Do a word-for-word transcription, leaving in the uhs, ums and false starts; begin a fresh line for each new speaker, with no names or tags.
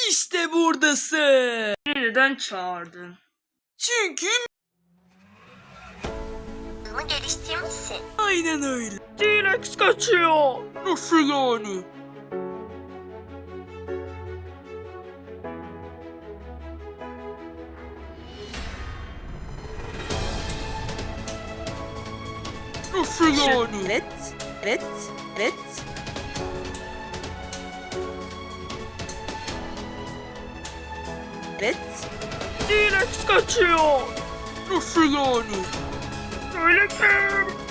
İşte buradasın.
Beni neden çağırdın?
Çünkü
Hızımı geliştirmişsin.
aynen öyle.
T-Rex kaçıyor.
Nasıl yani? Nasıl yani?
Evet, evet, evet. Evet.
T-Rex kaçıyor.
Nasıl yani?
Öyle ki.